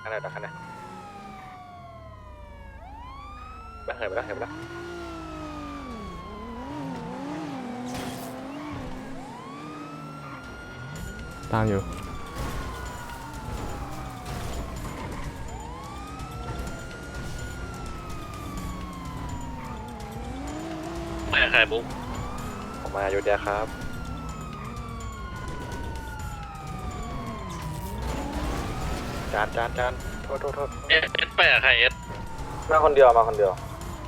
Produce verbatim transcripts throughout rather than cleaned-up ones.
ขนาดดักขนาดไปเหินไปแล้วเหินไปแล้วตามอยู่ไม่ใครบุ๊กผมมาอยู่เดียครับจานจานจานโทษโทษโทษเอสเอสไปกับใครเอสมาคนเดียวมาคนเดียว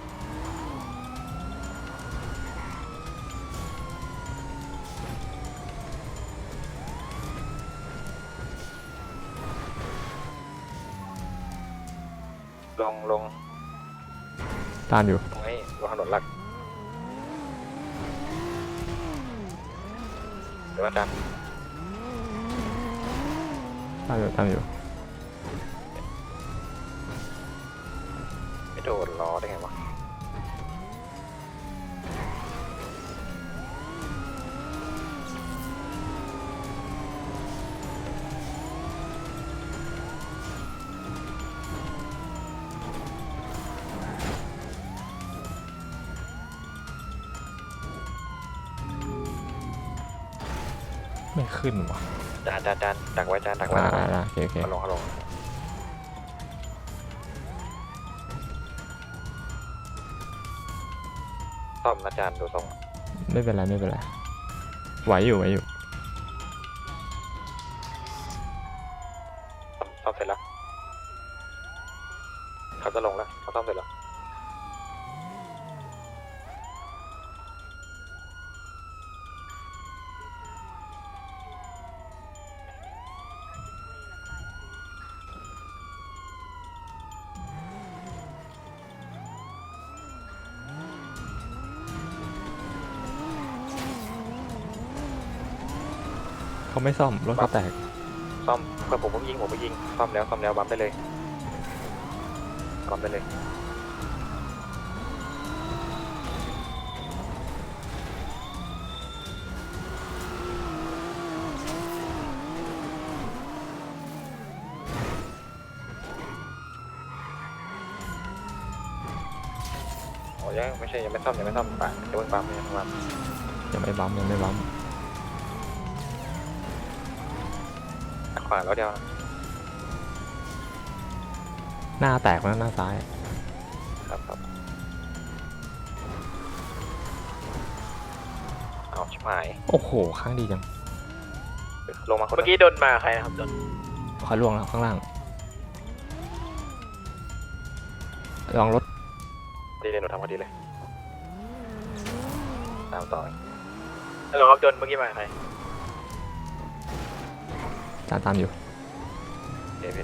ลงลงตามอยู่ตรงนี้บนถนนหลักเดี๋ยวอาจารย์ตามอยู่ตามอยู่ไม่โดนล้อได้ไงวะไม่ขึ้นวะจานจานจานดักไว้จานดักไว้อ่าอ่าโอเคโอเคเอาลงเอาลงซ่อมนะจานดูทรงไม่เป็นไรไม่เป็นไรไหวอยู่ไหวอยู่ซ่อมเสร็จแล้วเขาจะลงแล้วเขาซ่อมเสร็จแล้วเขาไม่ซ่อมรถเขาแตกซ่อมเพื่อนผมผมยิงผมไปยิงซ่อมแล้วซ่อมแล้วบัมได้เลยบัมได้เลยโอ้ยังไม่ใช่ยังไม่ซ่อมยังไม่ซ่อมป่ะจะเพิ่งบัมยังบัมยังไม่บัมยังไม่บัมขวาแล้วเดียวหน้าแตกแล้วหน้าซ้ายครับครับเอาชิบหายโอ้โหข้างดีจังลงมาคนเมื่อกี้โดนมาใครนะครับโดนขอล่วงแล้วข้างล่างลองรถดีเลยหนูทำพอดีเลยตามต่อฮัลโหลครับโดนเมื่อกี้มาใครตามตามอยู่เดวิด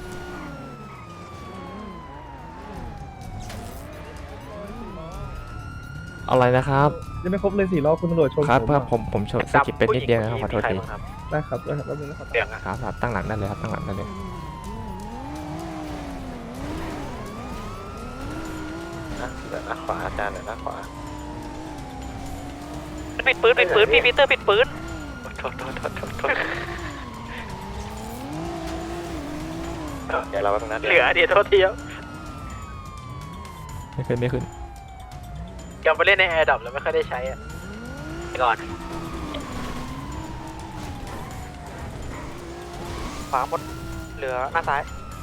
อะไรนะครับยังไม่ครบเลยสี่รอบคุณตำรวจชนครับผมครับอะผมผมชนสกิปเป็นนิดเดียวนะครับขอโทษทีได้ครับได้ครับแป๊บนึงนะครับเสียงอะครับครับตั้งหลักได้เลยครับตั้งหลักได้เลยนะเดี๋ยวนะขวาอาจารย์เดี๋ยวนะขวาปิดปืนปิดปืนพี่ปีเตอร์ปิดปืนโทษโทษโทษโทษโทษเดี๋ยวเราไปตรงนั้นเหลือเดี๋ยวโทษทีครับไม่ขึ้นไม่ขึ้นยังไปเล่นในแอร์ดับแล้วไม่ค่อยได้ใช้อ่ะไปก่อนขวาหมดเหลือหน้าซ้าย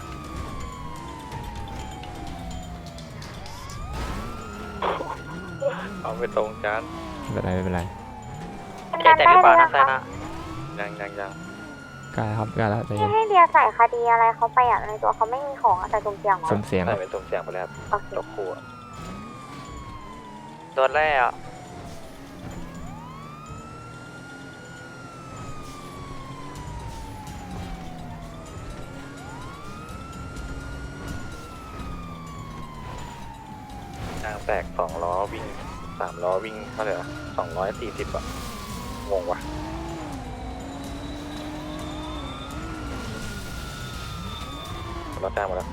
เอาไปตรงจานไม่เป็นไรไม่เป็นไรแกแต่หรือเปล่าหน้าซ้ายนะยังยังยังใกล้แล้วครับใกล้แล้วใจที่เย็นให้เดียใส่คดีอะไรเขาไปอ่ะในตัวเขาไม่มีของอะแต่ตุ่มเสียงเหรอสมเสียงใส่เป็นตรงเสียงไปแล้วโอเคตกครัวโดนแร่อะยางแตกสองล้อวิ่งสามล้อวิ่งเท่าไหร่ละสองร้อยสี่สิบอะงงว่ะรถจ้างหมดแล้ว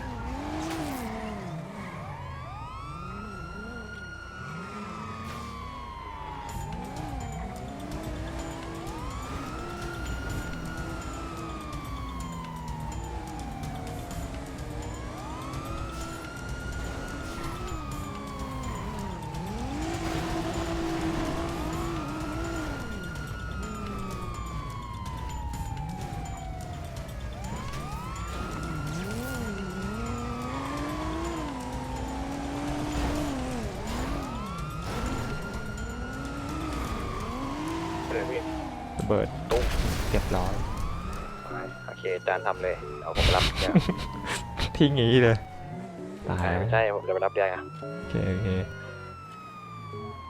ระเบิดตุ้มเรียบร้อยโอเคจานทำเลยเอาผมไปรับเนี่ยทิ้งอย่างนี้เลย ตายไม่ใช่ผมจะไปรับเดียร์ไงโอเคโอเค